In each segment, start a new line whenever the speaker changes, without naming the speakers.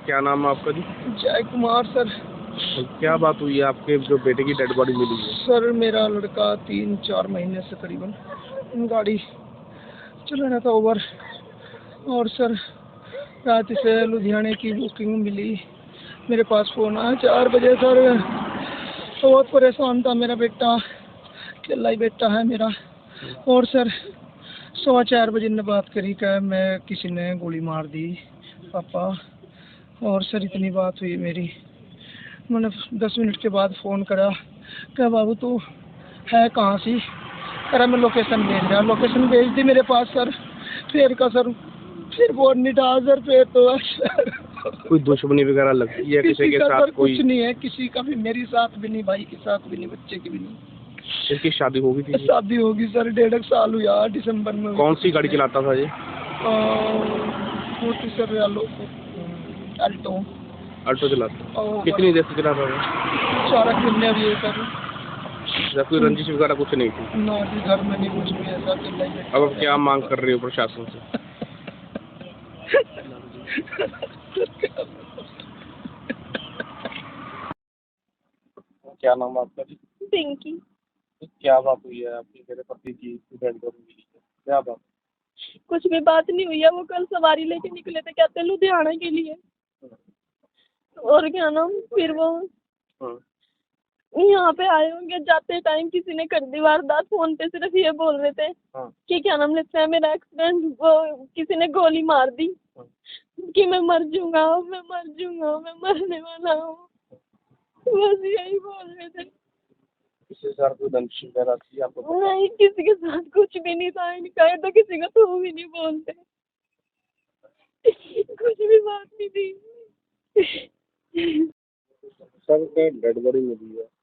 क्या नाम है आपका जी?
जय कुमार सर।
क्या बात हुई है आपके जो बेटे की डेड बॉडी मिली है?
सर मेरा लड़का 3-4 महीने से करीबन गाड़ी चला रहा था ओवर, और सर रात से लुधियाने की बुकिंग मिली, मेरे पास फ़ोन आया 4 बजे। सर बहुत परेशान था मेरा बेटा, अकेला ही बेटा है मेरा। और सर 4:15 बजे ने बात करी कि मैं किसी ने गोली मार दी पापा। और सर इतनी बात हुई मेरी, मैंने 10 मिनट के बाद फ़ोन करा, क्या बाबू तू है कहाँ सी? अरे मैं लोकेशन भेज रहा, लोकेशन भेज दी मेरे पास सर। फिर का सर फिर फोन नहीं था सर, फिर तो सर
कोई दुश्मनी वगैरह लगती है किसी के
का
साथ?
सर
कोई
कुछ नहीं है, किसी का भी, मेरी साथ भी नहीं, भाई के साथ भी नहीं, बच्चे की भी नहीं।
इसकी शादी होगी थी?
शादी होगी सर, 1.5 साल हुआ, दिसंबर में।
कौन सी गाड़ी चलाता था ये?
Sir Alto.
अल्टो चलाता? कितनी देर से चलाता था?
4 महीने भी है सर।
जब कोई रंजिश वगैरह कुछ नहीं थी?
ना जी, घर में नहीं कुछ भी ऐसा।
अब क्या मांग कर रहे हो प्रशासन से? क्या नाम है आपका जी?
पिंकी।
क्या बात हुई है आपकी मेरे पति की डेड बॉडी मिली है? क्या बात?
कुछ भी बात नहीं हुई है, वो कल सवारी लेके निकले थे, कहते लुधियाना के लिए। और क्या नाम, फिर वो यहाँ पे आए होंगे, जाते टाइम किसी ने कर दी वारदात। फोन पे सिर्फ ये बोल रहे थे कि क्या नाम लेते हैं, मेरा एक्सीडेंट, वो किसी ने गोली मार दी कि मैं मर जाऊंगा, मैं मर जाऊंगा, मैं मरने वाला हूँ, बस यही बोल रहे थे।
किसी के साथ कोई रंजिश वगैरह थी आपको?
नहीं, किसी के साथ कुछ भी नहीं था इनका, ये तो किसी का तो भी नहीं बोलते, कुछ भी बात नहीं थी।
सर डेड बॉडी मिली है,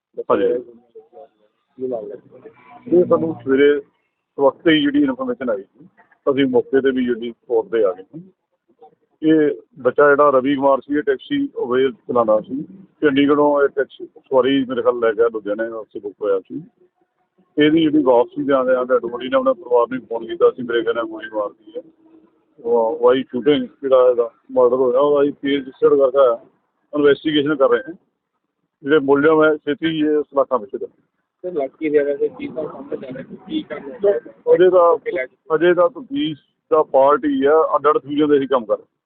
ਇਹ ਸਾਨੂੰ ਸਵੇਰੇ ਵਕਤ ਹੀ ਜਿਹੜੀ ਇਨਫੋਰਮੇਸ਼ਨ ਆਈ ਸੀ, ਅਸੀਂ ਮੌਕੇ ਤੇ ਵੀ ਜਿਹੜੀ ਸਪੋਟ ਤੇ ਆ ਗਏ ਸੀ। ਇਹ ਬੱਚਾ ਜਿਹੜਾ ਰਵੀ ਕੁਮਾਰ ਸੀ, ਇਹ ਟੈਕਸੀ ਅਵੇਲ ਚਲਾਉਂਦਾ ਸੀ, ਚੰਡੀਗੜ੍ਹੋਂ ਇਹ ਟੈਕਸੀ ਸਵਾਰੀ ਮੇਰੇ ਖਿਆਲ ਲੈ ਗਿਆ ਲੁਧਿਆਣੇ ਵਾਸਤੇ ਬੁੱਕ ਹੋਇਆ ਸੀ। ਇਹਦੀ ਜਿਹੜੀ ਵਾਪਸੀ ਦੇ ਆਉਂਦੇ ਡੈਡ ਬੋਡੀ ਨੇ ਆਪਣੇ ਪਰਿਵਾਰ ਨੂੰ ਫੋਨ ਕੀਤਾ ਸੀ, ਮੇਰੇ ਕਹਿੰਦੇ ਗੋਲੀ ਮਾਰਦੀ ਹੈ। ਵਾਈ ਸ਼ੂਟਿੰਗ ਜਿਹੜਾ ਇਹਦਾ ਮਰਡਰ ਹੋਇਆ ਉਹਦਾ ਅਸੀਂ ਕੇਸ ਰਜਿਸਟਰਡ ਕਰਕੇ ਇਨਵੈਸਟੀਗੇਸ਼ਨ ਕਰ ਰਹੇ ਹਾਂ। ਜਿਹੜੇ ਮੁਲਜ਼ਮ ਹੈ ਛੇਤੀ ਇਹ ਸਲਾਖਾਂ ਵਿੱਚ
ਲੜਕੀ ਦੇ ਵੈਸੇ ਕੀ ਤਾਂ ਸਾਹਮਣੇ ਜਾ ਰਿਹਾ ਕੀ ਕਰਨਾ
ਅਜੇ ਤਾਂ ਤਫਤੀਸ਼ ਦਾ ਪਾਰਟ ਹੀ ਆ, ਅੱਡ ਅੱਡ ਫਿਊਜ਼ਨ ਦੇ ਅਸੀਂ ਕੰਮ ਕਰ ਰਹੇ।